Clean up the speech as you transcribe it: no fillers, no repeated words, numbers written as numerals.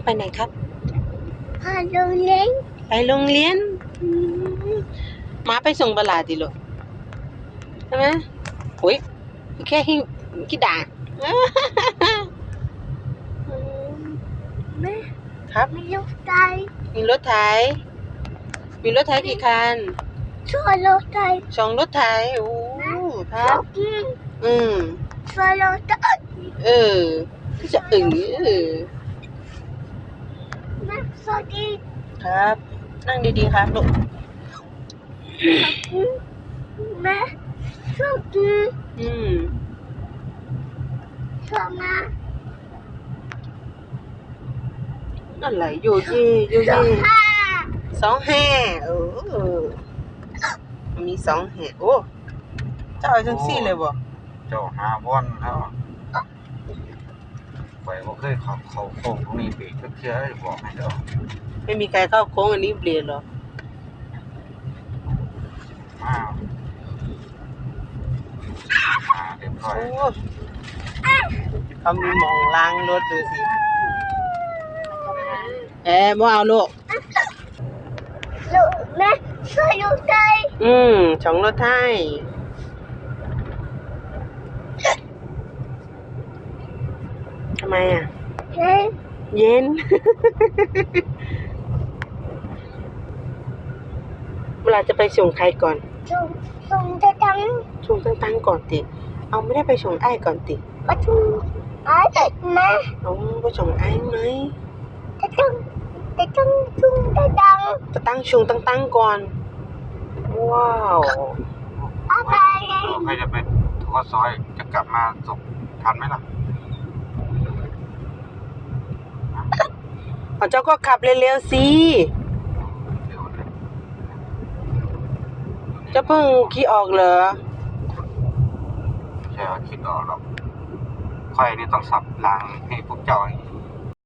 ไปไหนครับไปโรงเรียนไปโรงเรียนม้าไปส่งบลาดิลูกใช่ไหมโอ้ยแค่หิ้วกี่ด่าแม่ครับมีลูกไก่มีรถไถกี่คันช่วยลูกไก่ 2 รถไถโอ้ครับกินอืมช่วยลูกไก่จะแม่สวัสดีครับ นั่งดีๆครับลูกแม่ช่วยกิน ช่วยมาอะไรโยเย่25มี2 แห่โอ้เจ้าเอาจังซี่เลยบ่เจ้าหาบ่อนแล้วไปบ่เคยเข้าโค้งตรงนี้เบรกจักเทื่อได้บอกให้เด้อไม่มีใครเข้าโค้งอันนี้เปลี่ยนหรอมาเรียบร้อยโอ้เขามีหมองล้างรถดูสิบ่เอาลูกลูกแม่ช่วยลูกไก่ 2 รถไถทำไมอ่ะเฮ้ยเย็น เวลาจะไปส่งใครก่อนส่งจะจังส่งตั้งก่อนติ เอาไม่ได้ไปส่งไอ้ก่อนติประตูอ้ายแม่เอาไปส่งไอ้ไหมจะจังชุ่มจะจังจะตั้งชงตั้งก่อน ว้าวอะไรใครจะไปทอดซอยจะกลับมาส่งทันไหมล่ะเจ้าก็ขับเร็วๆสิเดี๋ยวนะเจ้าเพิ่งขี่ออกเหรอใช่ว่าคิดออกหรอกค่อยนี่ต้องสับรางให้พวกเจ้า